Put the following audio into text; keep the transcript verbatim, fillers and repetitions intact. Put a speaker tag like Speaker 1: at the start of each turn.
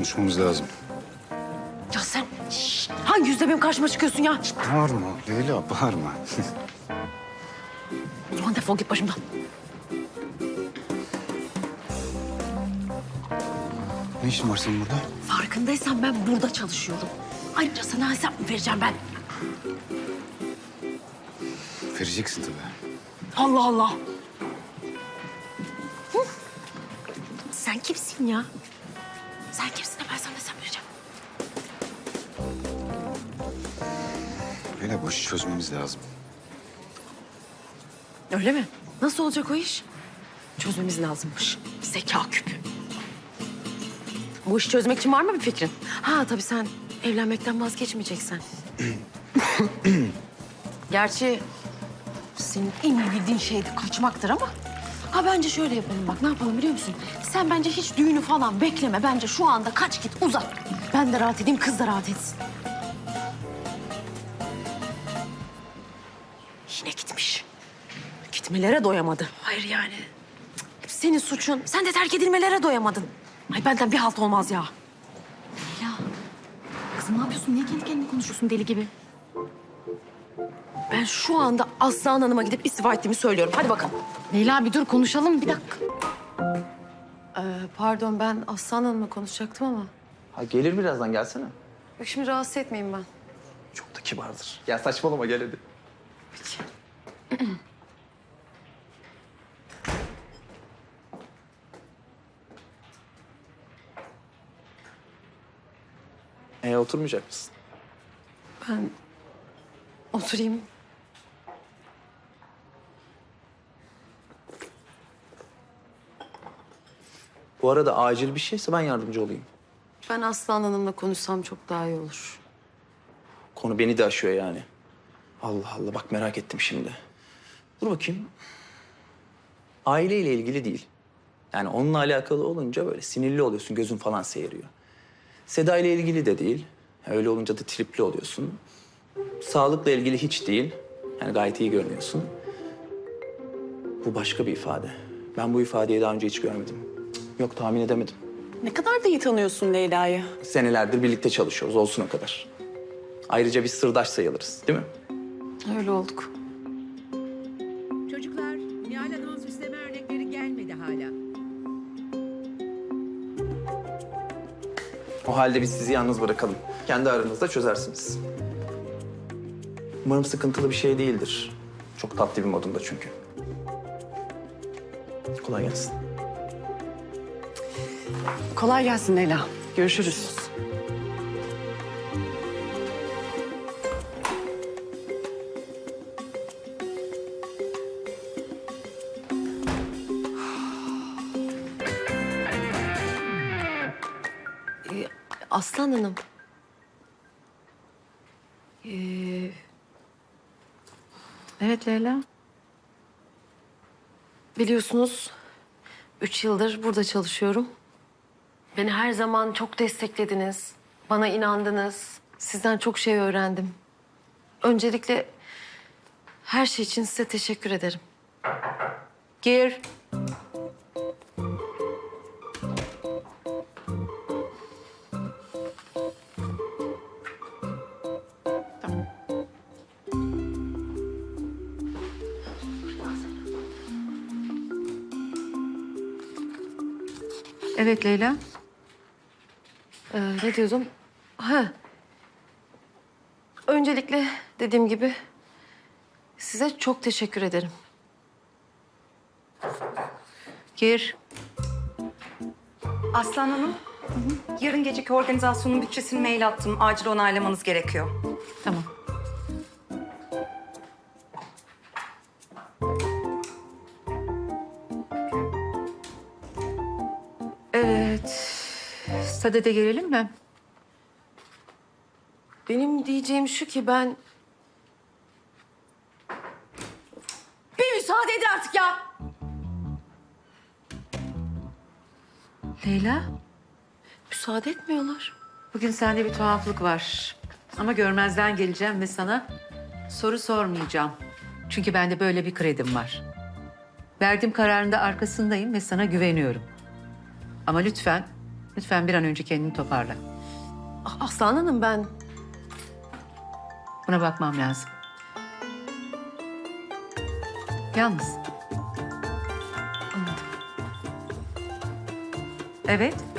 Speaker 1: Konuşmamız lazım.
Speaker 2: Ya sen şşt, hangi yüzle benim karşıma çıkıyorsun ya?
Speaker 1: Bağırma Leyla, bağırma.
Speaker 2: O zaman defol git başımdan.
Speaker 1: Ne işin var senin burada?
Speaker 2: Farkındaysan ben burada çalışıyorum. Ayrıca sana hesap mı vereceğim ben?
Speaker 1: Vereceksin tabii.
Speaker 2: Allah Allah. Hı? Sen kimsin ya? Sen kimsin de ben sana hesap vereceğim?
Speaker 1: Leyla, bu işi çözmemiz lazım.
Speaker 2: Öyle mi? Nasıl olacak o iş? Çözmemiz lazımmış. Zeka küpü. Bu işi çözmek için var mı bir fikrin? Ha tabii sen evlenmekten vazgeçmeyeceksen. Gerçi senin en iyi bildiğin şey de kaçmaktır ama... Ha bence şöyle yapalım bak, ne yapalım biliyor musun? Sen bence hiç düğünü falan bekleme. Bence şu anda kaç git uzat. Ben de rahat edeyim, kız da rahat etsin. Yine gitmiş. Gitmelere doyamadı. Hayır yani. Cık, senin suçun. Sen de terk edilmelere doyamadın. Ay benden bir halt olmaz ya.
Speaker 3: Ya kızım ne yapıyorsun? Niye kendi kendine konuşuyorsun deli gibi?
Speaker 2: Ben şu anda Aslan Hanım'a gidip istifa ettiğimi söylüyorum. Hadi bakalım.
Speaker 3: Leyla bir dur konuşalım bir dakika.
Speaker 2: Ee, pardon ben Aslan Hanım'la konuşacaktım ama.
Speaker 4: Ha gelir birazdan gelsene.
Speaker 2: Yok şimdi rahatsız etmeyeyim ben.
Speaker 4: Çok da kibardır. Ya saçmalama gel hadi. Ee, oturmayacak mısın?
Speaker 2: Ben oturayım.
Speaker 4: Bu arada acil bir şeyse ben yardımcı olayım.
Speaker 2: Ben Aslan Hanım'la konuşsam çok daha iyi olur.
Speaker 4: Konu beni de aşıyor yani. Allah Allah bak merak ettim şimdi. Dur bakayım. Aileyle ilgili değil. Yani onunla alakalı olunca böyle sinirli oluyorsun, gözün falan seyiriyor. Seda ile ilgili de değil. Öyle olunca da tripli oluyorsun. Sağlıkla ilgili hiç değil. Yani gayet iyi görünüyorsun. Bu başka bir ifade. Ben bu ifadeyi daha önce hiç görmedim. Cık, yok tahmin edemedim.
Speaker 5: Ne kadar da iyi tanıyorsun Leyla'yı.
Speaker 4: Senelerdir birlikte çalışıyoruz, olsun o kadar. Ayrıca biz sırdaş sayılırız, değil mi?
Speaker 2: Öyle olduk.
Speaker 6: Çocuklar, Nihal Hanım'ın süsleme örnekleri gelmedi hala.
Speaker 4: O halde biz sizi yalnız bırakalım. Kendi aranızda çözersiniz. Umarım sıkıntılı bir şey değildir. Çok tatlı bir modunda çünkü. Kolay gelsin.
Speaker 5: Kolay gelsin Leyla. Görüşürüz.
Speaker 2: Ee, Aslan Hanım. Ee,
Speaker 3: Evet Leyla.
Speaker 2: biliyorsunuz üç yıldır burada çalışıyorum. Beni her zaman çok desteklediniz. Bana inandınız. Sizden çok şey öğrendim. Öncelikle her şey için size teşekkür ederim.
Speaker 3: Gir. Evet Leyla.
Speaker 2: Ee, ne diyordum? Ha. Öncelikle dediğim gibi size çok teşekkür ederim.
Speaker 3: Gir.
Speaker 7: Aslan Hanım, yarın geceki organizasyonun bütçesini mail attım. Acil onaylamanız gerekiyor.
Speaker 3: Tamam. Evet. Sadede gelelim mi?
Speaker 2: Benim diyeceğim şu ki ben... Bir müsaade edin artık ya.
Speaker 3: Leyla,
Speaker 2: Müsaade etmiyorlar.
Speaker 3: bugün sende bir tuhaflık var. Ama görmezden geleceğim ve sana soru sormayacağım. Çünkü bende böyle bir kredim var. Verdiğim kararında arkasındayım ve sana güveniyorum. Ama lütfen Lütfen bir an önce kendini toparla.
Speaker 2: Ah, Aslan Hanım ben...
Speaker 3: Buna bakmam lazım. Yalnız.
Speaker 2: Anladım.
Speaker 3: Evet.